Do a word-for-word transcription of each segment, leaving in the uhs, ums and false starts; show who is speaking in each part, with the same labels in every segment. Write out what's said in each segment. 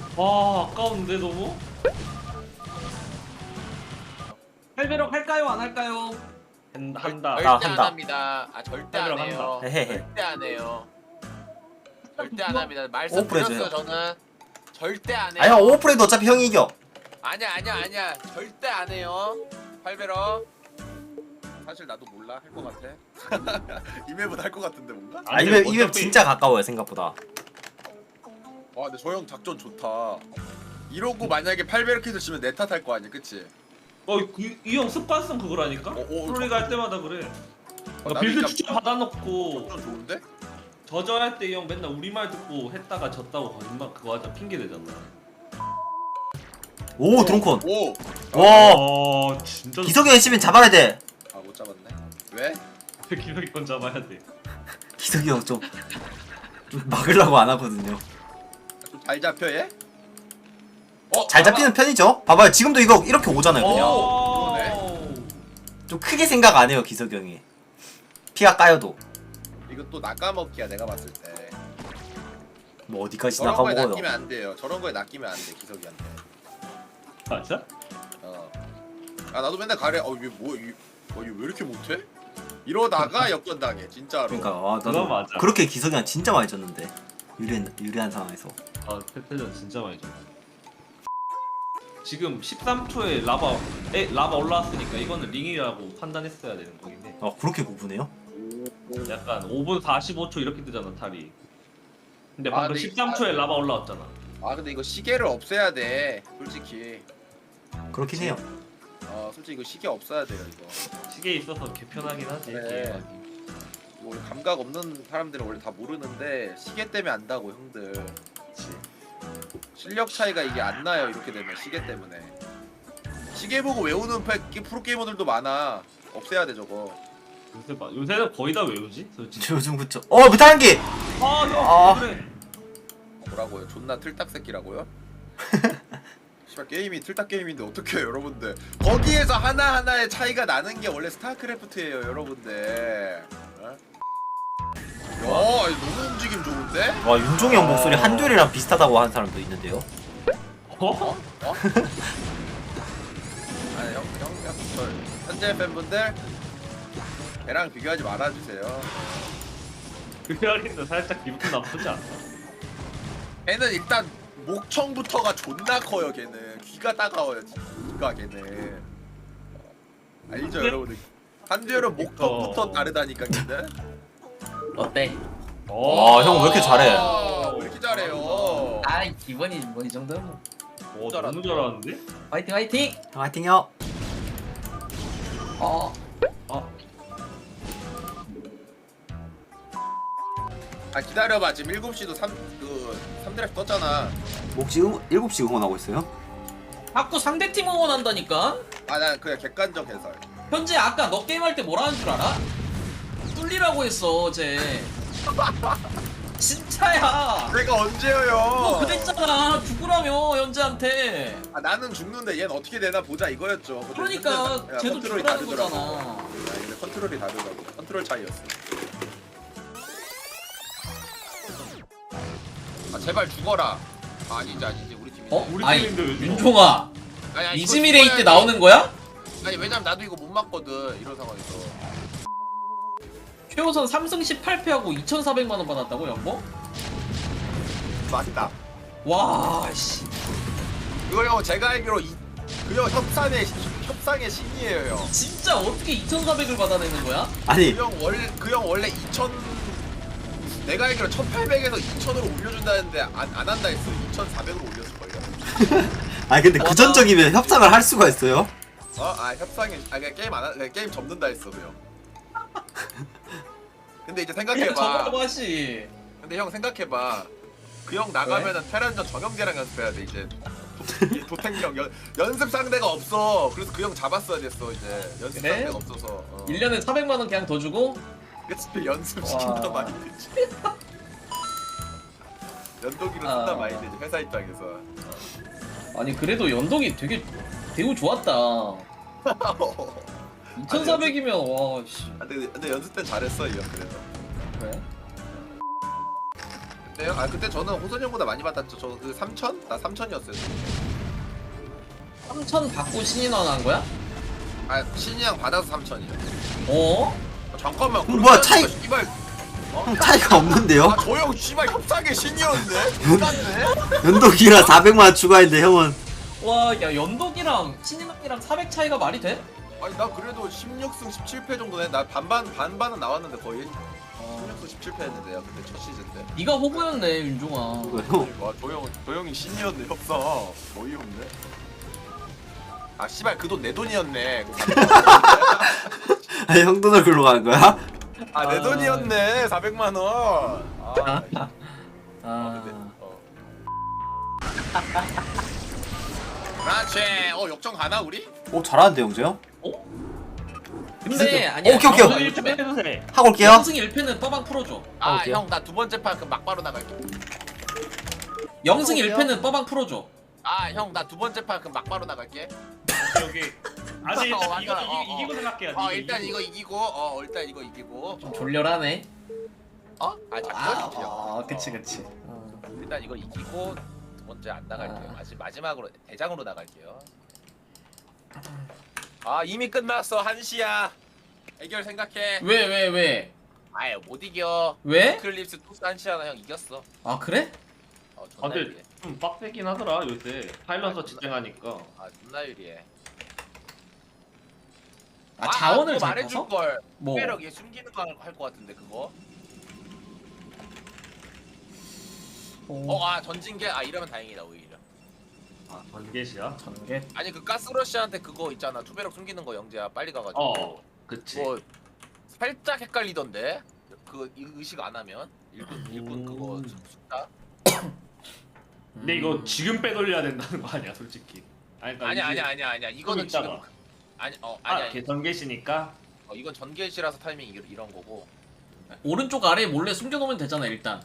Speaker 1: 와 아까운데 너무? 팔배럭 할까요 안 할까요? 한, 한다.
Speaker 2: 절대
Speaker 3: 아,
Speaker 2: 안
Speaker 3: 한다.
Speaker 2: 합니다. 아 절대 안
Speaker 1: 한다.
Speaker 2: 해요.
Speaker 3: 헤헤헤.
Speaker 2: 절대 안 해요. 절대 안 합니다.
Speaker 3: 오프레
Speaker 2: 말씀드렸어요
Speaker 3: 줘요.
Speaker 2: 저는. 절대 안 해요.
Speaker 3: 아니야 오프레도 어차피 형이 이겨.
Speaker 2: 아니야 아니야 아니야. 절대 안 해요. 팔베러. 사실 나도 몰라 할 것 같아. 이메보다 할 것 같은데 뭔가?
Speaker 3: 아 이맵 이맵 진짜 가까워요 생각보다.
Speaker 2: 와 근데 저 형 작전 좋다. 이러고 만약에 팔베러 킷을 치면 내 탓 할 거 아니야, 그치?
Speaker 1: 어이 형 습관성 그거라니까?
Speaker 2: 어, 어,
Speaker 1: 프로리그 할 때마다 그래.
Speaker 2: 어,
Speaker 1: 그러니까
Speaker 2: 나도
Speaker 1: 빌드
Speaker 2: 진짜
Speaker 1: 추천 받아놓고
Speaker 2: 작전 좋은데?
Speaker 1: 저저 할 때 형 맨날 우리 말 듣고 했다가 졌다고 거짓말 그거 하자 핑계 대잖아.
Speaker 3: 오 드론콘.
Speaker 2: 오!
Speaker 3: 와
Speaker 1: 어 진짜.
Speaker 3: 기석이 형 치면 잡아야 돼.
Speaker 2: 아 못 잡았네. 왜?
Speaker 1: 기석이 건 잡아야 돼.
Speaker 3: 기석이 형 좀 좀 막으려고 안 하거든요.
Speaker 2: 좀 잘 잡혀 얘? 어?
Speaker 3: 잘 잡히는 편이죠. 봐봐요 지금도 이거 이렇게 오잖아요 그냥.
Speaker 1: 어.
Speaker 2: 그러네.
Speaker 3: 좀 크게 생각 안 해요 기석이 형이. 피가 까여도.
Speaker 2: 이거 또 낚아먹기야 내가 봤을 때.
Speaker 3: 뭐 어디까지
Speaker 2: 저런 거에
Speaker 3: 나가먹어요.
Speaker 2: 낚이면 안 돼요. 저런 거에 낚이면 안 돼 기석이한테.
Speaker 1: 맞아?
Speaker 2: 어. 아 나도 맨날 가래. 어 이게 뭐 이, 어, 이거 왜 이렇게 못해? 이러다가 역전당해 진짜로.
Speaker 3: 그러니까 아,
Speaker 1: 그건
Speaker 3: 나도
Speaker 1: 맞아.
Speaker 3: 그렇게 기석이 형 진짜 많이 졌는데 유리한 유리한 상황에서.
Speaker 1: 아 페페전 진짜 많이 졌어. 지금 십삼 초에 라바 에 라바 올라왔으니까 이거는 링이라고 판단했어야 되는 거긴 해.
Speaker 3: 아 그렇게 구분해요?
Speaker 1: 약간 오 분 사십오 초 이렇게 뜨잖아 탈이. 근데
Speaker 2: 아,
Speaker 1: 방금
Speaker 2: 근데
Speaker 1: 십삼 초에
Speaker 2: 이-
Speaker 1: 라바 올라왔잖아.
Speaker 2: 아 근데 이거 시계를 없애야 돼 솔직히.
Speaker 3: 그렇긴 해요.
Speaker 2: 어 솔직히 이거 시계 없어야 돼요 이거.
Speaker 1: 시계에 있어서 개편하긴 하지.
Speaker 2: 네.
Speaker 1: 게임하기.
Speaker 2: 뭐 감각 없는 사람들은 원래 다 모르는데 시계 때문에 안다고 형들.
Speaker 1: 그치.
Speaker 2: 실력 차이가 이게 안 나요 이렇게 되면 시계 때문에. 시계 보고 외우는 패- 프로게이머들도 많아. 없애야 돼 저거.
Speaker 1: 요새 봐 요새는 거의 다 외우지 솔직히.
Speaker 3: 요즘 그쵸. 어 무탄기.
Speaker 1: 아형
Speaker 3: 아.
Speaker 1: 그래.
Speaker 2: 뭐라고요? 존나 틀딱 새끼라고요? 씨발 게임이 틀딱 게임인데 어떡해요 여러분들. 거기에서 하나하나의 차이가 나는 게 원래 스타크래프트예요 여러분들. 어? 야 이거 너무 움직임 좋은데?
Speaker 3: 와 윤종이 형 목소리 한결이랑 비슷하다고 하는 사람도 있는데요.
Speaker 1: 어?
Speaker 2: 어? 아니 형, 형, 형, 저 현재 팬분들 걔랑 비교하지 말아주세요.
Speaker 1: 그 이야기도 살짝 기분 나쁘지 않나?
Speaker 2: 걔는 일단 목청부터가 존나 커요. 걔는 귀가 따가워요. 귀가 걔는 알죠
Speaker 1: 근데-
Speaker 2: 여러분들. 한두열은 목턱부터 다르다니까 걔는.
Speaker 4: 어때?
Speaker 3: 와, 형 왜 이렇게 잘해?
Speaker 2: 아, 왜 이렇게 잘해요?
Speaker 4: 아이 기본이 뭐 이 정도면
Speaker 1: 어 너무 잘하는데?
Speaker 4: 화이팅 화이팅!
Speaker 3: 형 화이팅요.
Speaker 4: 어
Speaker 1: 아
Speaker 2: 아 기다려봐. 지금 일곱 시도 삼 그 삼 드래프 떴잖아.
Speaker 3: 혹시 응, 일곱 시 응원하고 있어요?
Speaker 4: 자꾸 상대팀 응원한다니까?
Speaker 2: 아 난 그냥 객관적 해설.
Speaker 4: 현재 아까 너 게임할 때 뭐라는 줄 알아? 뚫리라고 했어 어제. 진짜야.
Speaker 2: 내가 언제요?
Speaker 4: 너 그랬잖아 죽으라며 현재한테.
Speaker 2: 아 나는 죽는데 얘는 어떻게 되나 보자 이거였죠. 근데
Speaker 4: 그러니까
Speaker 2: 근데 야,
Speaker 4: 쟤도
Speaker 2: 컨트롤이
Speaker 4: 죽으라는
Speaker 2: 다르더라고.
Speaker 4: 거잖아.
Speaker 2: 아, 근데 컨트롤이 다르다고. 컨트롤 차이였어. 아 제발 죽어라. 아, 아니지 아니지 우리 팀이.
Speaker 4: 어?
Speaker 1: 우리
Speaker 4: 아니
Speaker 1: 팀인데 왜 죽어?
Speaker 4: 윤종아
Speaker 2: 아니, 아니, 이거
Speaker 4: 이즈미레이 때
Speaker 2: 죽어야지.
Speaker 4: 나오는 거야?
Speaker 2: 아니 왜냐면 나도 이거 못 맞거든 이런 상황에서.
Speaker 4: 최우선 삼 승 십팔 패하고 이천사백만 원 받았다고 연봉?
Speaker 2: 맞다.
Speaker 4: 와 씨.
Speaker 2: 그거 형 제가 알기로 이 그형 협상의 협상의 신이에요 형.
Speaker 4: 진짜 어떻게 이천사백을 받아내는 거야?
Speaker 3: 아니
Speaker 2: 그 형 원래 그 형 원래 이천 내가 알기로 천팔백에서 이천으로 올려준다는데 안, 안 한다 했어. 이천사백으로 올렸을 걸요.
Speaker 3: 아니 근데 그 전적이면 협상을 할 수가 있어요?
Speaker 2: 어? 아 협상에 아 그냥 게임 안 하, 그냥 게임 접는다 했어 그 형. 근데 이제
Speaker 4: 그냥
Speaker 2: 생각해봐.
Speaker 4: 저거라고 하시.
Speaker 2: 근데 형 생각해봐. 그 형 나가면은 테란전 정영재랑 연습해야 돼 이제. 도- 도탱형 연, 연습 상대가 없어. 그래서 그 형 잡았어야 됐어 이제. 연습
Speaker 4: 그래?
Speaker 2: 상대가 없어서. 어.
Speaker 4: 일 년에 사백만 원 그냥 더 주고
Speaker 2: 그치 연습 시킨단
Speaker 4: 와.
Speaker 2: 말이 되지. 연동기로
Speaker 4: 아.
Speaker 2: 쓴단 말이 되지 회사 입장에서.
Speaker 4: 아니 그래도 연동이 되게 대우 좋았다. 이천사백이면 와 씨.
Speaker 2: 아, 근데, 근데 연습 때 잘했어 이 형 그래도.
Speaker 4: 그래?
Speaker 2: 그때요? 아 그때 저는 호선이 형보다 많이 받았죠. 저 그 삼천? 나 삼천이었어요.
Speaker 4: 삼천 받고 신인원 한 거야?
Speaker 2: 아 신이 형 받아서 삼천이요.
Speaker 4: 어?
Speaker 2: 아, 잠깐만.
Speaker 3: 그럼 뭐야, 차이-
Speaker 2: 씨발.
Speaker 3: 형 차이가 없는데요?
Speaker 2: 아 저 형 씨발 협상의 신이었네. 끝났네.
Speaker 3: 연독이라 사백만 원 추가했는데 형은
Speaker 4: 와, 야 연독이랑 신인원이랑 사백 차이가 말이 돼?
Speaker 2: 아니 나 그래도 십육 승 십칠 패 정도네. 나 반반 반반은 나왔는데 거의. 십육 승 십칠 패 했는데요. 그때 첫 시즌 때.
Speaker 4: 네가 호구였네 윤종아.
Speaker 3: 형
Speaker 2: 와, 조용, 조용히 신이었네, 협상. 어이없네. 아, 씨발, 그 돈 내 돈이었네.
Speaker 3: 아, 형 돈을 글로 간 거야?
Speaker 2: 아, 내
Speaker 4: 아.
Speaker 2: 돈이었네, 사백만 원. 아, 씨.
Speaker 4: 아,
Speaker 2: 근데, 어. 그렇지. 어, 역전 가나, 우리?
Speaker 3: 오 잘하는데 형제 형?
Speaker 4: 어? 근데 아니야.
Speaker 3: 오케이, 오케이.
Speaker 4: 영승 일 패
Speaker 1: 해주세요.
Speaker 3: 하고 올게요.
Speaker 4: 영승 일 패는 빠방 풀어줘.
Speaker 2: 아,
Speaker 3: 오케이.
Speaker 2: 형, 나 두 번째 판 그 막바로 나갈게.
Speaker 4: 영승 일 패는 빠방 풀어줘.
Speaker 2: 아, 형, 나 두 번째 판 그 막바로 나갈게.
Speaker 1: 여기 아직
Speaker 2: 어,
Speaker 1: 이거
Speaker 2: 완전,
Speaker 1: 이기,
Speaker 2: 어, 어.
Speaker 1: 이기고 생각해야 돼.
Speaker 2: 어, 일단 이거 이기고, 어, 일단 이거 이기고.
Speaker 4: 좀 졸렬하네.
Speaker 2: 어? 아, 작전이지.
Speaker 4: 아, 그치 그치.
Speaker 2: 일단 이거 이기고 두 번째 안 나갈게요.
Speaker 4: 아.
Speaker 2: 마지, 마지막으로 대장으로 나갈게요. 아 이미 끝났어 한 시야. 해결 생각해.
Speaker 4: 왜 왜 왜?
Speaker 2: 아예 못 이겨.
Speaker 4: 왜?
Speaker 2: 클립스 토스 한 시야 형 이겼어.
Speaker 4: 아 그래?
Speaker 2: 어
Speaker 1: 아
Speaker 2: 존나
Speaker 1: 근데
Speaker 2: 유리해.
Speaker 1: 좀 빡세긴 하더라 요새 파일럿서 지탱하니까.
Speaker 2: 아 존나 유리해.
Speaker 4: 아 자원을
Speaker 2: 그거
Speaker 4: 잘
Speaker 2: 말해줄
Speaker 4: 타서?
Speaker 2: 걸.
Speaker 4: 뭐?
Speaker 2: 투배력 얘 숨기는 거 할 것 같은데 그거. 어 아 전진계 아 이러면 다행이다 오히려.
Speaker 1: 아 번개시야?
Speaker 4: 전개.
Speaker 2: 아니 그 가스러시한테 그거 있잖아 투배력 숨기는 거 영재야 빨리 가가지고.
Speaker 1: 어 그치.
Speaker 2: 뭐 살짝 헷갈리던데 그 이- 의식 안 하면 일꾼 일꾼
Speaker 1: 음.
Speaker 2: 그거 숙다
Speaker 1: 근데 이거 지금 빼돌려야 된다는 거 아니야 솔직히. 아니 그러니까
Speaker 2: 아니야
Speaker 1: 이제
Speaker 2: 아니야 아니야 아니야 이거는 지금
Speaker 1: 있다가.
Speaker 2: 아니 어 아니야
Speaker 1: 아 개전개시니까.
Speaker 2: 어, 이건 전개시라서 타이밍 이- 이런 거고
Speaker 4: 오른쪽 아래에 몰래 숨겨놓으면 되잖아 일단.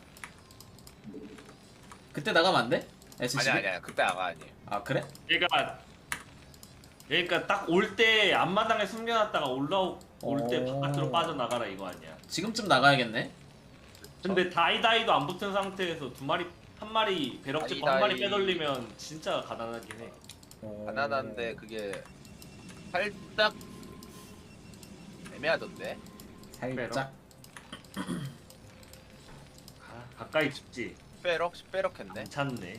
Speaker 4: 그때 나가면 안 돼? 에스씨비?
Speaker 2: 아니야 아니야 그때 아가 아니에요.
Speaker 4: 아 그래?
Speaker 1: 얘가 그러니까 딱 올 때 앞마당에 숨겨놨다가 올라올 때
Speaker 4: 오.
Speaker 1: 바깥으로 빠져나가라 이거 아니야.
Speaker 4: 지금쯤 나가야겠네.
Speaker 1: 근데 다이다이도 안 붙은 상태에서 두 마리 한 마리 배럭집 한 마리
Speaker 2: 다이다이.
Speaker 1: 빼돌리면 진짜 가난하긴 해.
Speaker 2: 가난한데 그게 살짝 애매하던데.
Speaker 4: 살짝.
Speaker 1: 아, 가까이 죽지.
Speaker 2: 빼럭 빼럭 했네.
Speaker 1: 괜찮네.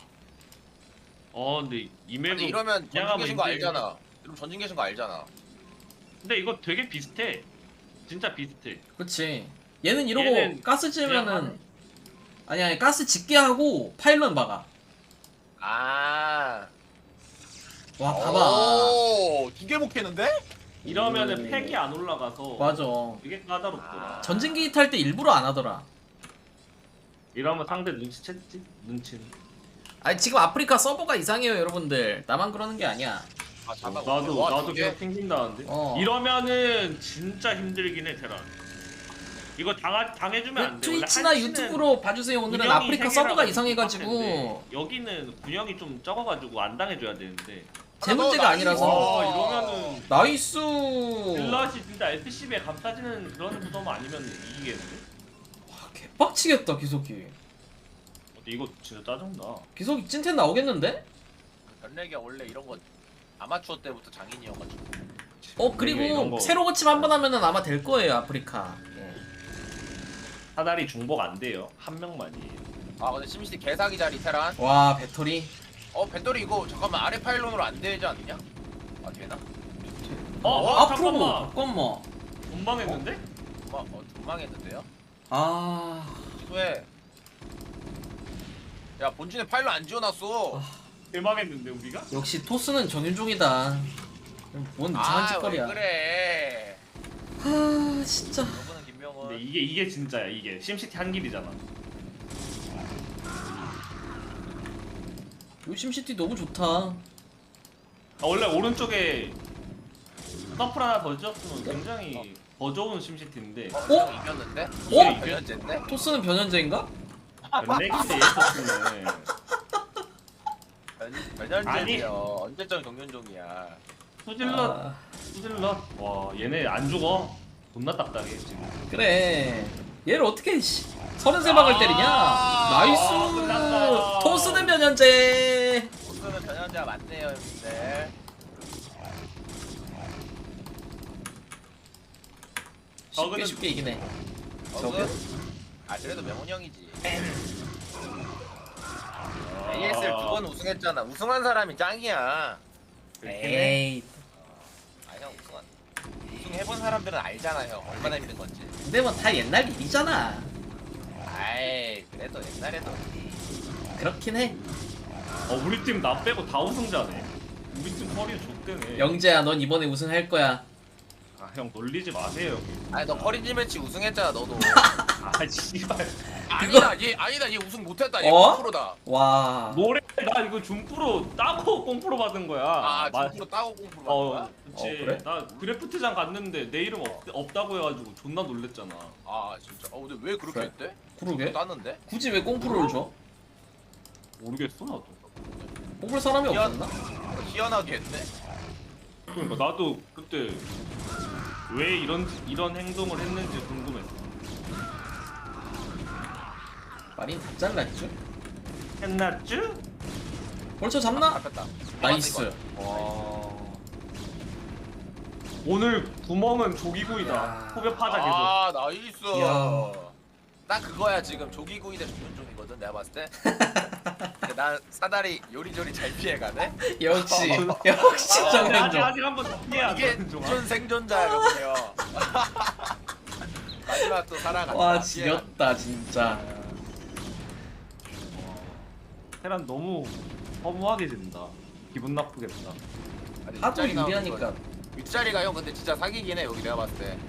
Speaker 1: 어 근데 이 맵은
Speaker 2: 근데 이러면
Speaker 1: 그냥
Speaker 2: 전진 계신 거
Speaker 1: 하면
Speaker 2: 알잖아. 그럼 전진 계신 거 알잖아.
Speaker 1: 근데 이거 되게 비슷해. 진짜 비슷해.
Speaker 4: 그치. 얘는 이러고
Speaker 1: 얘는
Speaker 4: 가스
Speaker 1: 그냥
Speaker 4: 지으면은
Speaker 1: 하네.
Speaker 4: 아니 아니 가스 짓게 하고 파일럿 막아.
Speaker 2: 아.
Speaker 4: 와 봐봐.
Speaker 2: 두개 먹겠는데?
Speaker 1: 이러면은
Speaker 4: 오.
Speaker 1: 팩이 안 올라가서
Speaker 4: 맞아.
Speaker 1: 되게 까다롭더라.
Speaker 2: 아.
Speaker 4: 전진기 탈 때 일부러 안 하더라.
Speaker 1: 이러면 상대 눈치챘지? 눈치는.
Speaker 4: 아니 지금 아프리카 서버가 이상해요 여러분들. 나만 그러는 게 아니야.
Speaker 2: 아 잠깐.
Speaker 1: 나도
Speaker 2: 와,
Speaker 1: 나도
Speaker 2: 두 개?
Speaker 1: 계속 튕긴다는데.
Speaker 4: 어.
Speaker 1: 이러면은 진짜 힘들긴 해 테란. 이거 당하, 당해주면 안 돼. 원래
Speaker 4: 트위치나
Speaker 1: 한시는
Speaker 4: 유튜브로 봐주세요. 오늘은
Speaker 1: 군영이
Speaker 4: 아프리카
Speaker 1: 세
Speaker 4: 서버가
Speaker 1: 개라고
Speaker 4: 이상해가지고
Speaker 1: 빡센데 여기는 군영이 좀 적어가지고 안 당해줘야 되는데.
Speaker 4: 제
Speaker 2: 하나 더,
Speaker 4: 문제가
Speaker 2: 나이스.
Speaker 4: 아니라서.
Speaker 1: 와 이러면은
Speaker 4: 나이스.
Speaker 1: 딜럿이 진짜 에스씨비에 감싸지는 그런 구도만 아니면 이기겠는데?
Speaker 4: 와, 개빡치겠다 기석이.
Speaker 1: 근데 이거 진짜 짜증나.
Speaker 4: 기석이 찐텐 나오겠는데?
Speaker 2: 변래기가 원래 이런 거 아마추어 때부터 장인이어가지고.
Speaker 4: 어
Speaker 1: 이런
Speaker 4: 그리고
Speaker 1: 거.
Speaker 4: 새로 고침 한 번 하면은 아마 될 거예요 아프리카. 예.
Speaker 1: 사다리 중복 안 돼요. 한 명만이.
Speaker 2: 아 근데 심시티 개사기 자리 테란.
Speaker 4: 와 배터리.
Speaker 2: 어 배터리 이거 잠깐만 아래 파일론으로 안 되지 않느냐? 아 되나?
Speaker 1: 어,
Speaker 2: 어,
Speaker 1: 어
Speaker 4: 앞으로
Speaker 1: 잠깐만.
Speaker 4: 잠깐만.
Speaker 1: 건방했는데?
Speaker 2: 마, 어 전망했는데요?
Speaker 4: 아
Speaker 2: 왜? 야 본진에 파일론 안 지어놨어.
Speaker 1: 대망했는데 우리가?
Speaker 4: 역시 토스는 정윤종이다. 뭔 이상한
Speaker 2: 아,
Speaker 4: 짓거리야.
Speaker 2: 왜 그래?
Speaker 4: 아 진짜.
Speaker 2: 너는 김명훈.
Speaker 1: 근데 이게 이게 진짜야 이게 심시티 한 길이잖아.
Speaker 4: 요심 시티 너무 좋다.
Speaker 1: 아, 원래 오른쪽에 서플 하나 더 지었으면 굉장히 더 좋은 심시티인데
Speaker 2: 어?
Speaker 4: 어?
Speaker 2: 형 이겼는데?
Speaker 4: 어?
Speaker 2: 변현재인데?
Speaker 4: 토스는 변현재인가?
Speaker 1: 변내기인데 얘었으면
Speaker 2: 변 변현재요. 언제적 경륜종이야.
Speaker 1: 수질럿
Speaker 4: 아,
Speaker 1: 수질럿 와 얘네 안 죽어. 존나 딱딱해 지금.
Speaker 4: 그래. 얘를 어떻게 씨, 서른세 방을 때리냐? 나이스.
Speaker 1: 끝났다.
Speaker 4: 토스는 변현재.
Speaker 2: 보스는 변현재가 맞네요 형님들.
Speaker 4: 쉽게
Speaker 1: 저거는-
Speaker 4: 쉽게 이기네.
Speaker 2: 저거? 아 그래도 명훈 형이지. 에이에스엘 두 번 우승했잖아. 우승한 사람이 짱이야.
Speaker 4: 에이.
Speaker 2: 아 형 우승한 우승해본 사람들은 알잖아 형 얼마나 힘든 건지.
Speaker 4: 근데 뭐 다 옛날 일이잖아.
Speaker 2: 아이 그래도 옛날에도
Speaker 4: 그렇긴 해.
Speaker 1: 어 우리 팀 나 빼고 다 우승자네. 우리 팀 커리어 좆대네.
Speaker 4: 영재야, 넌 이번에 우승할 거야.
Speaker 1: 아형 놀리지 마세요.
Speaker 2: 아니 너 커리지 매치 우승했잖아 너도.
Speaker 1: 아 씨발.
Speaker 2: 아니다 얘 아니다 얘 우승 못했다 얘
Speaker 4: 어?
Speaker 2: 프로다.
Speaker 4: 와.
Speaker 1: 노래 나 이거 준프로 따고 꽁프로 받은 거야.
Speaker 2: 아
Speaker 1: 마-
Speaker 2: 중프로 따고 공프로 받은
Speaker 1: 어,
Speaker 2: 거야?
Speaker 1: 그치.
Speaker 4: 어, 그래?
Speaker 1: 나 그래프트장 갔는데 내 이름 없, 없다고 해가지고 존나 놀랬잖아.
Speaker 2: 아 진짜. 어 근데 왜 그렇게
Speaker 4: 그래.
Speaker 2: 했대?
Speaker 4: 그러게.
Speaker 2: 땄는데?
Speaker 4: 굳이 왜 꽁프로를 줘?
Speaker 1: 모르겠어 나도.
Speaker 4: 뽑을 사람이
Speaker 2: 희한-
Speaker 4: 없었나?
Speaker 2: 희한하게 했네.
Speaker 1: 그러니까 나도 그때 왜 이런 이런 행동을 했는지 궁금했어.
Speaker 4: 마린 다 잘랐죠?
Speaker 1: 했났쥬?
Speaker 4: 벌써 잡나?
Speaker 2: 잡혔다.
Speaker 4: 나이스.
Speaker 1: 와. 오늘 구멍은 조기구이다.
Speaker 4: 야.
Speaker 1: 후벼 파자 계속.
Speaker 2: 아 나이스.
Speaker 4: 이야.
Speaker 2: 딱 그거야 지금 조기구이 대 조준종이거든 내가 봤을 때. 근데 난 사다리 요리조리 잘 피해가네.
Speaker 4: 역시. 역시
Speaker 1: 아, 근데 아직
Speaker 4: 정현종.
Speaker 1: 아직 한번 더 피해야
Speaker 2: 이게
Speaker 1: 돼.
Speaker 2: 준 생존자야 여보세요. 마지막 또 살아간다.
Speaker 4: 와 지렸다 진짜.
Speaker 1: 테란 너무 허무하게 된다. 기분 나쁘겠다.
Speaker 2: 아니,
Speaker 4: 하도
Speaker 2: 윗자리 나오는
Speaker 4: 유리하니까.
Speaker 2: 거. 윗자리가 형 근데 진짜 사기긴 해 여기 내가 봤을 때.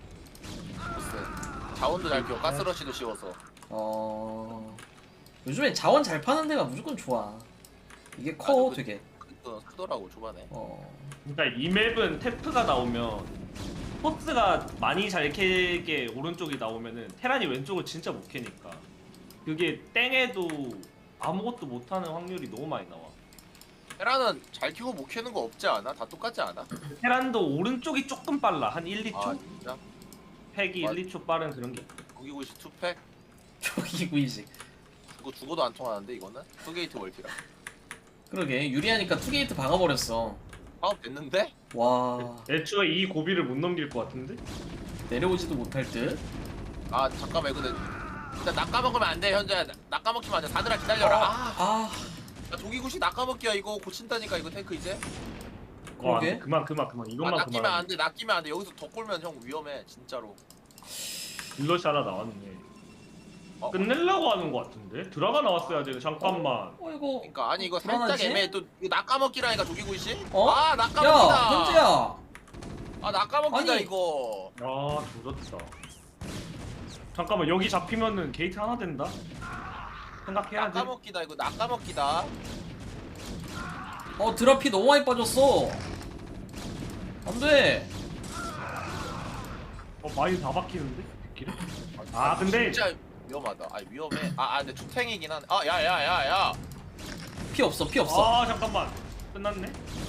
Speaker 2: 보스. 자원도 잘 피워 가스러시도 씌워서.
Speaker 4: 어. 요즘엔 자원 잘 파는 데가 무조건 좋아. 이게 커
Speaker 2: 아주 그-
Speaker 4: 되게.
Speaker 2: 크- 크더라고 초반에.
Speaker 4: 어.
Speaker 1: 그러니까 이 맵은 테프가 나오면 포스가 많이 잘 캐게 오른쪽이 나오면은 테란이 왼쪽을 진짜 못 캐니까 그게 땡해도 아무것도 못하는 확률이 너무 많이 나와.
Speaker 2: 테라는 잘 키고 못 캐는 거 없지 않아? 다 똑같지 않아?
Speaker 1: 테란도 오른쪽이 조금 빨라. 한 일, 이 초?
Speaker 2: 아 진짜?
Speaker 1: 팩이
Speaker 2: 맞-
Speaker 1: 일, 이 초 빠른 그런 게 있고.
Speaker 2: 고기구이 투팩?
Speaker 4: 저기 구이식.
Speaker 2: 그거 죽어도 안 통하는데 이거는? 투게이트 멀티라.
Speaker 4: 그러게 유리하니까 투게이트 박아버렸어.
Speaker 2: 파업 됐는데?
Speaker 4: 와.
Speaker 1: 애초에 이 고비를 못 넘길 것 같은데?
Speaker 4: 내려오지도 못할 듯.
Speaker 2: 아 잠깐만 근데 일단 낚아먹으면 안돼 현재. 낚아먹히면 안돼. 사들아 기다려라. 아,
Speaker 4: 아.
Speaker 2: 야, 조기구시 낚아먹기야 이거 고친다니까 이거 탱크 이제.
Speaker 1: 와,
Speaker 4: 그러게.
Speaker 1: 그만 그만 그만
Speaker 2: 아
Speaker 1: 이것만
Speaker 2: 낚이면
Speaker 1: 그만.
Speaker 2: 안돼 낚이면 안돼. 여기서 더 꼴면 형 위험해 진짜로.
Speaker 1: 딜러시 하나 나왔네.
Speaker 2: 어?
Speaker 1: 끝내려고 하는 것 같은데? 드라가 나왔어야 돼. 잠깐만.
Speaker 4: 어 이거.
Speaker 2: 그러니까 아니 이거 살짝
Speaker 4: 불안하지?
Speaker 2: 애매해. 또 이거 낚아먹기라니까 조기구시?
Speaker 4: 어?
Speaker 2: 아
Speaker 4: 야
Speaker 2: 낚아먹기다.
Speaker 4: 현재야.
Speaker 2: 아 낚아먹기다
Speaker 4: 아니.
Speaker 2: 이거.
Speaker 1: 아 조졌다. 잠깐만 여기 잡히면은 게이트 하나 된다. 생각해야 돼.
Speaker 2: 낚아먹기다 이거 낚아먹기다.
Speaker 4: 어 드라피 너무 많이 빠졌어. 안돼.
Speaker 1: 어 많이 다 박히는데? 길에? 아 근데
Speaker 2: 진짜 위험하다. 아 위험해. 아, 아 근데 투탱이긴 한데. 아 야야야야.
Speaker 4: 피 없어 피 없어.
Speaker 1: 아 잠깐만 끝났네.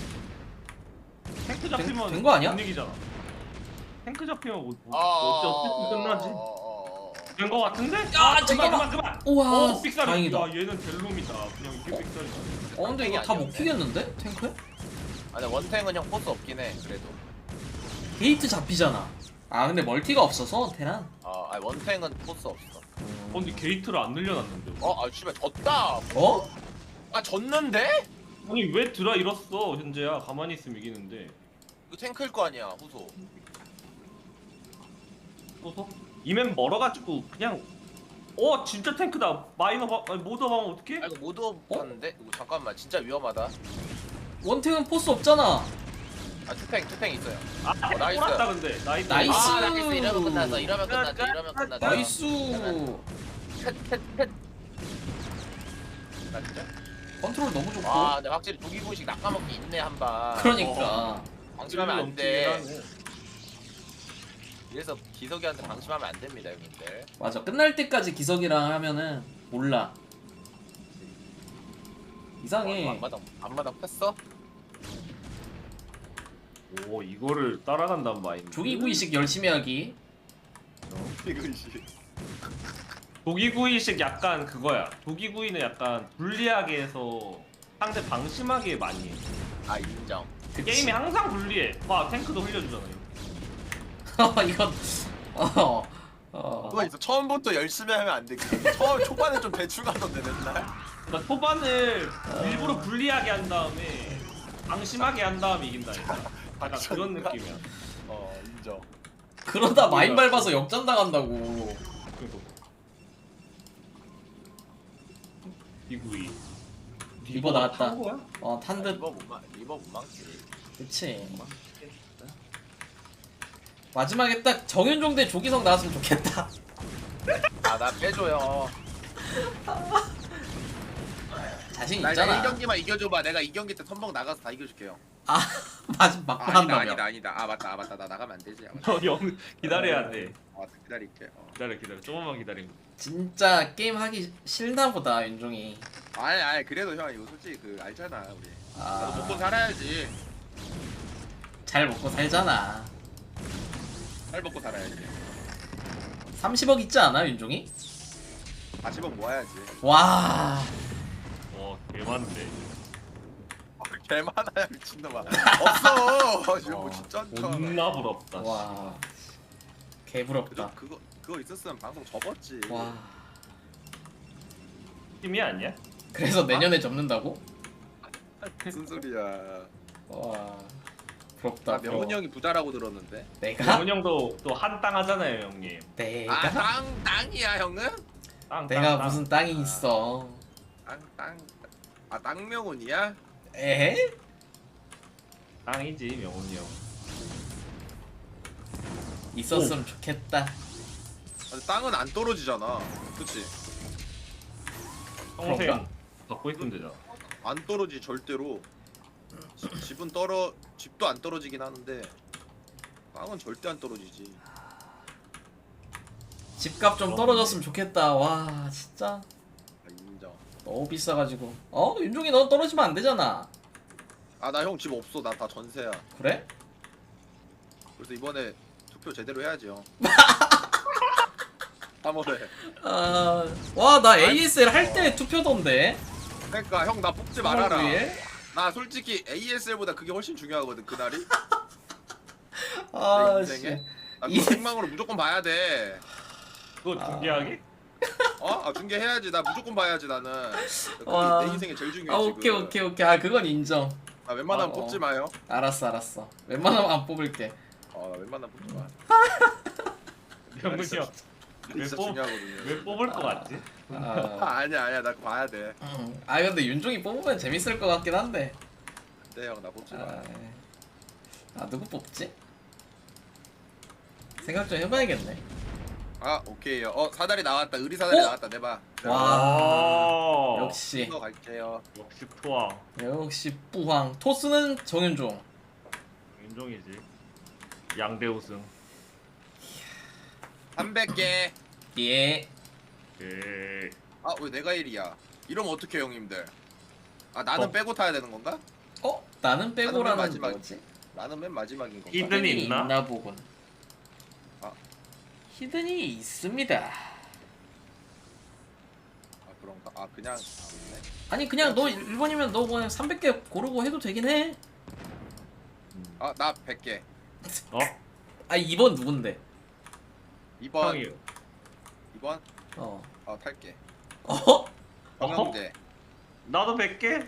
Speaker 1: 탱크 잡히면
Speaker 4: 된 거 아니야?
Speaker 1: 못 이기잖아. 탱크 잡히면 뭐, 뭐,
Speaker 2: 아,
Speaker 1: 어째 어떻게 끝나지?
Speaker 2: 어, 어, 어.
Speaker 1: 된 거 같은데?
Speaker 4: 야,
Speaker 1: 그만
Speaker 4: 잠깐만.
Speaker 1: 그만 그만.
Speaker 4: 우와,
Speaker 1: 어 삑사리.
Speaker 4: 다행이다.
Speaker 1: 야 얘는 델롬이다. 그냥 이게 삑사리다.
Speaker 4: 어 근데 이거 다 못 피겠는데 탱크?
Speaker 2: 아니 원탱은 형 포스 없긴 해. 그래도.
Speaker 4: 게이트 잡히잖아. 아 근데 멀티가 없어서 테란.
Speaker 2: 아 아니 원탱은 포스 없어.
Speaker 1: 어 근데 게이트를 안 늘려놨는데.
Speaker 2: 어, 아 씨발 졌다.
Speaker 4: 어?
Speaker 2: 아 졌는데?
Speaker 1: 아니 왜 드라 잃었어 현재야. 가만히 있으면 이기는데.
Speaker 2: 이거 탱크일 거 아니야 후소.
Speaker 1: 또서 이맨 멀어가지고 그냥 어 진짜 탱크다. 마이너 봐 아니 모더 봐면 어떡해?
Speaker 2: 아 이거 못 없었는데? 이거 잠깐만 진짜 위험하다.
Speaker 4: 원탱은 포스 없잖아.
Speaker 2: 아 투탱 투탱 있어요.
Speaker 1: 아
Speaker 2: 어, 나이스.
Speaker 1: 꼬랐다 근데 나이스.
Speaker 4: 나이스.
Speaker 2: 아 나이스 이러면 끝났어. 이러면 끝났지. 이러면 끝났다.
Speaker 4: 나이스.
Speaker 2: 나 진짜?
Speaker 4: 컨트롤 너무 좋고.
Speaker 2: 아 근데 확실히 조기구식 낚아먹기 있네 한 방.
Speaker 4: 그러니까.
Speaker 2: 방심하면 안
Speaker 1: 넘치긴
Speaker 2: 돼.
Speaker 1: 하네.
Speaker 2: 그래서 기석이한테 방심하면 안 됩니다 형님들.
Speaker 4: 맞아. 끝날 때까지 기석이랑 하면은 몰라. 이상해.
Speaker 2: 어, 앞마당 앞마당 폈어?
Speaker 1: 오 이거를 따라간단 마인드.
Speaker 4: 조기구이식 열심히 하기.
Speaker 2: 조기구식.
Speaker 1: 도기구이식 약간 그거야. 도기구이는 약간 불리하게 해서 상대 방심하게 많이 해.
Speaker 2: 아 인정.
Speaker 4: 그치.
Speaker 1: 게임이 항상 불리해. 봐, 탱크도 흘려주잖아요.
Speaker 4: 이건 어. 어.
Speaker 2: 그거 있어. 처음부터 열심히 하면 안 돼. 처음 초반에 좀 대충 하던데 맨날.
Speaker 1: 그러니까 초반을 일부러 불리하게 한 다음에 방심하게 한 다음에 이긴다니까. 약간 그런 느낌이야.
Speaker 2: 어 인정.
Speaker 4: 그러다 마인 밟아서 역전 당한다고.
Speaker 1: 그리고 디구이.
Speaker 4: 리버 나왔다.
Speaker 1: 탄 거야?
Speaker 4: 어, 탄 듯.
Speaker 2: 리버 못 망, 리버 못 망치.
Speaker 4: 그치. 마지막에 딱 정윤종 대 조기성 나왔으면 좋겠다.
Speaker 2: 아나 빼줘요.
Speaker 4: 자신
Speaker 2: 나
Speaker 4: 있잖아.
Speaker 2: 이 경기만 이겨줘봐. 내가 이 경기 때 선봉 나가서 다 이겨줄게요.
Speaker 4: 아, 맞, 맞고
Speaker 2: 아, 아니다
Speaker 4: 한다며.
Speaker 2: 아니다 아니다. 아 맞다 아 맞다 나 나가면 안 되지. 아, 맞다.
Speaker 1: 어, 영 기다려야 돼.
Speaker 2: 아 맞다. 기다릴게. 어.
Speaker 1: 기다려 기다려. 조금만 기다리면.
Speaker 4: 진짜 게임 하기 싫나 보다, 윤종이.
Speaker 2: 아니 아니 그래도 형 이거 솔직히 그 알잖아 우리. 나도 먹고
Speaker 4: 아,
Speaker 2: 살아야지.
Speaker 4: 잘 먹고 살잖아.
Speaker 2: 살 먹고 살아야지.
Speaker 4: 삼십억 있지 않아, 윤종이?
Speaker 2: 사십억 모아야지.
Speaker 4: 와,
Speaker 1: 어, 개많은데.
Speaker 2: 개 많아야 미친놈아. 없어. 지금 뭐
Speaker 1: 어,
Speaker 2: 진짜 많다.
Speaker 1: 존나 부럽다.
Speaker 4: 와.
Speaker 2: 그거
Speaker 4: 개부럽다.
Speaker 2: 그거 그거 있었으면 방송 접었지.
Speaker 4: 와.
Speaker 1: 팀이 아니야?
Speaker 4: 그래서 내년에 접는다고?
Speaker 2: 무슨 소리야.
Speaker 4: 와. 부럽다.
Speaker 2: 나
Speaker 4: 부러워.
Speaker 2: 명훈이 형이 부자라고 들었는데.
Speaker 4: 내가?
Speaker 1: 영훈 형도 또 한 땅 하잖아요, 형님.
Speaker 4: 내가?
Speaker 2: 아 땅 땅이야 형은?
Speaker 1: 땅,
Speaker 4: 내가
Speaker 1: 땅, 땅.
Speaker 4: 무슨 땅이 있어?
Speaker 2: 땅 땅. 아 땅명훈이야?
Speaker 4: 에?
Speaker 1: 땅이지, 명훈이 형.
Speaker 4: 있었으면 좋겠다.
Speaker 2: 아니, 땅은 안 떨어지잖아. 그치?
Speaker 1: 평생
Speaker 4: 그런가?
Speaker 1: 갖고 있으면 되잖아.
Speaker 2: 안 떨어지 절대로. 지- 집은 떨어 집도 안 떨어지긴 하는데 땅은 절대 안 떨어지지.
Speaker 4: 집값 좀 떨어졌으면 좋겠다. 와, 진짜
Speaker 2: 아, 인정.
Speaker 4: 너무 비싸가지고. 어? 윤종이 너 떨어지면 안 되잖아.
Speaker 2: 아 나 형 집 없어. 나 다 전세야.
Speaker 4: 그래?
Speaker 2: 그래서 이번에 투표 제대로 해야지 형. 삼월에.
Speaker 4: 아, 와, 나 에이에스엘 할 때 투표던데.
Speaker 2: 그러니까 형 나 뽑지 말아라.
Speaker 4: 삼월 구일?
Speaker 2: 나 솔직히 에이에스엘보다 그게 훨씬 중요하거든 그날이.
Speaker 4: 아,
Speaker 2: 내
Speaker 4: 씨.
Speaker 2: 인생에? 나
Speaker 4: 이-
Speaker 2: 그거 생방으로 무조건 봐야 돼.
Speaker 1: 그거
Speaker 4: 아.
Speaker 1: 중계하기?
Speaker 2: 어? 아 중계해야지. 나 무조건 봐야지 나는. 그게
Speaker 4: 와.
Speaker 2: 내 인생에 제일 중요해
Speaker 4: 아,
Speaker 2: 지금.
Speaker 4: 오케이, 오케이, 오케이. 아, 그건 인정.
Speaker 2: 나 웬만하면
Speaker 4: 어, 어.
Speaker 2: 뽑지 마요.
Speaker 4: 알았어, 알았어. 웬만하면 안 뽑을게.
Speaker 2: 어, 나 웬만하면 뽑지 마.
Speaker 1: 명훈이
Speaker 2: 진짜-
Speaker 1: 형. 왜
Speaker 2: 진짜
Speaker 1: 뽑-
Speaker 2: 중요하거든요.
Speaker 1: 왜 뽑을 것 같지?
Speaker 4: 아,
Speaker 2: 아, 아니야 아니야 나 그거 봐야 돼.
Speaker 4: 음. 아, 근데 윤종이 뽑으면 재밌을 것 같긴 한데.
Speaker 2: 네 형 나 뽑지 마.
Speaker 4: 아, 아, 누구 뽑지? 생각 좀 해봐야겠네.
Speaker 2: 아 오케이요. 어 사다리 나왔다. 의리 사다리
Speaker 4: 어?
Speaker 2: 나왔다. 내봐.
Speaker 4: 와,
Speaker 1: 아,
Speaker 4: 역시,
Speaker 2: 이거 갈게요.
Speaker 1: 역시 토왕.
Speaker 4: 역시 뿌황. 토스는 정윤종.
Speaker 1: 윤종이지. 양대 우승.
Speaker 2: 삼백 개.
Speaker 4: 예.
Speaker 1: 예.
Speaker 2: 아 왜 내가 일이야? 이러면 어떡해 형님들? 아 나는
Speaker 1: 어.
Speaker 2: 빼고 타야 되는 건가?
Speaker 4: 어? 나는 빼고라는
Speaker 2: 마지막.
Speaker 4: 거지?
Speaker 2: 나는 맨 마지막인 건가?
Speaker 1: 히든이 있나?
Speaker 4: 보군.
Speaker 2: 아.
Speaker 4: 히든이 있습니다.
Speaker 2: 아 그런가? 아 그냥 아, 없네.
Speaker 4: 아니 그냥 너 일 번이면 너 그냥 삼백 개 고르고 해도 되긴 해.
Speaker 2: 아나 백 개.
Speaker 1: 어?
Speaker 4: 아 이 번 누군데?
Speaker 2: 이 번.
Speaker 1: 형이.
Speaker 2: 이 번.
Speaker 4: 어.
Speaker 2: 아 탈게.
Speaker 4: 어?
Speaker 2: 정영재.
Speaker 1: 나도 백 개?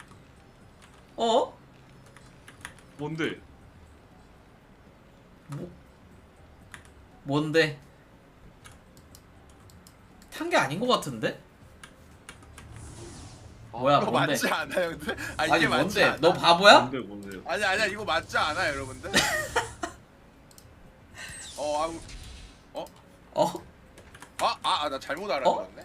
Speaker 4: 어?
Speaker 1: 뭔데?
Speaker 4: 뭐? 뭔데? 탄 게 아닌 것 같은데? 뭐야
Speaker 2: 이거
Speaker 4: 뭔데?
Speaker 2: 맞지 않아 형들? 아 이게
Speaker 4: 아니
Speaker 2: 맞지
Speaker 4: 뭔데?
Speaker 2: 않아?
Speaker 4: 너 바보야?
Speaker 1: 뭔데 뭔데?
Speaker 2: 아니 아니야 이거 맞지 않아 여러분들? 어 아우
Speaker 4: 어?
Speaker 2: 아아 나 잘못 알아들었네.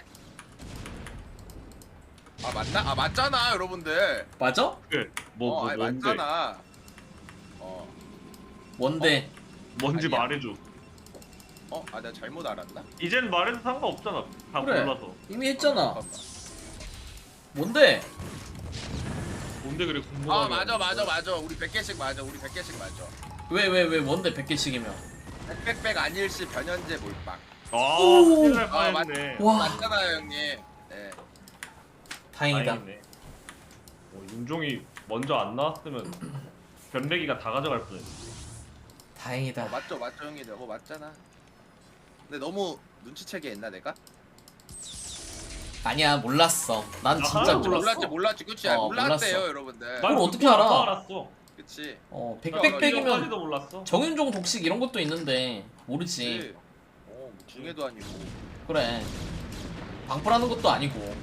Speaker 2: 아 맞나? 아 맞잖아 여러분들.
Speaker 4: 맞아?
Speaker 1: 그, 뭐,
Speaker 2: 어
Speaker 1: 뭐
Speaker 2: 아니
Speaker 1: 뭔데?
Speaker 2: 맞잖아. 어
Speaker 4: 뭔데?
Speaker 1: 뭔지
Speaker 2: 아니야.
Speaker 1: 말해줘.
Speaker 2: 어? 아 내가 잘못 알았나?
Speaker 1: 이젠 말해도 상관없잖아. 다
Speaker 4: 그래.
Speaker 1: 몰라서.
Speaker 4: 이미 했잖아.
Speaker 2: 잠깐만.
Speaker 4: 뭔데?
Speaker 1: 뭔데 그래 궁금하게.
Speaker 2: 아 맞아 맞아 맞아 우리 백 개씩 맞아 우리 백 개씩 맞아.
Speaker 4: 왜 왜 왜 뭔데 백 개씩이면?
Speaker 2: 백백백 안일시 변현재 몰빵.
Speaker 1: 아,
Speaker 4: 오.
Speaker 1: 큰일 날
Speaker 2: 아, 맞-
Speaker 1: 뻔했네.
Speaker 4: 와
Speaker 2: 맞잖아요 형님. 네.
Speaker 4: 다행이다.
Speaker 1: 다행이네. 어, 윤종이 먼저 안 나왔으면 변래기가 다 가져갈 뻔했네.
Speaker 4: 다행이다.
Speaker 2: 어, 맞죠 맞죠 형님. 어 맞잖아. 근데 너무 눈치채게 했나 내가?
Speaker 4: 아니야 몰랐어. 난
Speaker 1: 나
Speaker 4: 진짜
Speaker 1: 하나도
Speaker 4: 몰랐어.
Speaker 1: 몰랐어.
Speaker 2: 몰랐지 몰랐지 그치?
Speaker 4: 어,
Speaker 2: 몰랐대요
Speaker 4: 몰랐어.
Speaker 2: 여러분들.
Speaker 4: 그걸
Speaker 1: 난
Speaker 4: 어떻게
Speaker 1: 그거
Speaker 4: 알아?
Speaker 1: 다 알았어.
Speaker 2: 그치?
Speaker 4: 어
Speaker 2: 나
Speaker 4: 백백백이면
Speaker 1: 이거까지도 몰랐어.
Speaker 4: 정윤종 독식 이런 것도 있는데 모르지.
Speaker 2: 그치? 어, 뭐 중에도 아니고.
Speaker 4: 그래. 방풀하는 것도 아니고.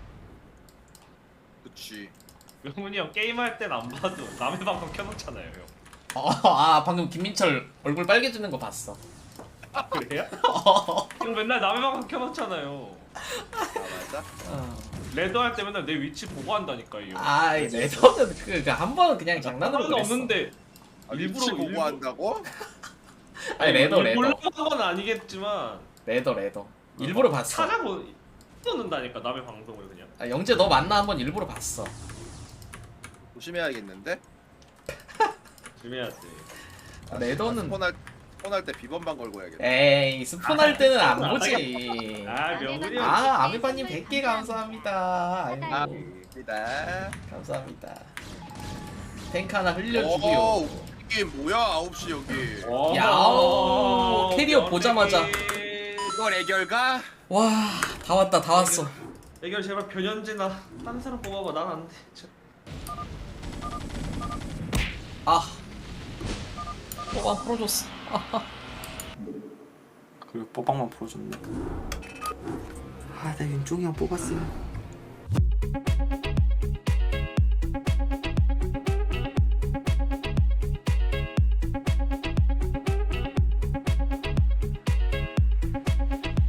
Speaker 2: 그치.
Speaker 1: 영훈이 형 게임할 땐 안 봐도 남의 방송 켜놓잖아요 형.
Speaker 4: 어, 아 방금 김민철 얼굴 빨개지는 거 봤어.
Speaker 1: 아 그래요? 형 맨날 남의 방송 켜놓잖아요.
Speaker 2: 아 맞아?
Speaker 4: 어.
Speaker 1: 레드 할 때 맨날 내 위치 보고 한다니까 이 형.
Speaker 4: 아이 레더는 그한 번은 그냥 장난으로
Speaker 1: 상관은
Speaker 4: 그랬어.
Speaker 1: 없는데
Speaker 2: 아,
Speaker 1: 일부러-
Speaker 2: 일부러 보고
Speaker 1: 일부러-
Speaker 2: 한다고?
Speaker 4: 아니 레더 레더
Speaker 1: 몰라본 건 아니겠지만
Speaker 4: 레더 레더 일부러 봤어.
Speaker 1: 찾아보 쏘는다니까 남의 방송을 그냥.
Speaker 4: 아, 영재 너 만나 한번 일부러 봤어.
Speaker 2: 조심해야겠는데?
Speaker 1: 조심해야지.
Speaker 4: 아, 레더는
Speaker 2: 스폰할 스폰할 때 비번방 걸고 해야겠다.
Speaker 4: 에이 스폰할 때는 안 보지.
Speaker 1: 아 명훈이 형.
Speaker 4: 아 아메바님 백 개 감사합니다. 아이고
Speaker 2: 아입니다.
Speaker 4: 감사합니다. 탱크 하나
Speaker 2: 오
Speaker 4: 흘려주고요.
Speaker 2: 이게 뭐야 아홉 시 여기.
Speaker 1: 와,
Speaker 4: 야오, 캐리어 보자마자.
Speaker 2: 이걸 애결가?
Speaker 4: 와 다 왔다 다 왔어.
Speaker 1: 애결 제발 변현진아 딴 사람 뽑아봐 난 안 돼. 저-
Speaker 4: 아 뽀방 풀어줬어. 아하.
Speaker 3: 그리고 뽀방만 풀어줬네. 아, 나 윤종이 형 뽑았어요.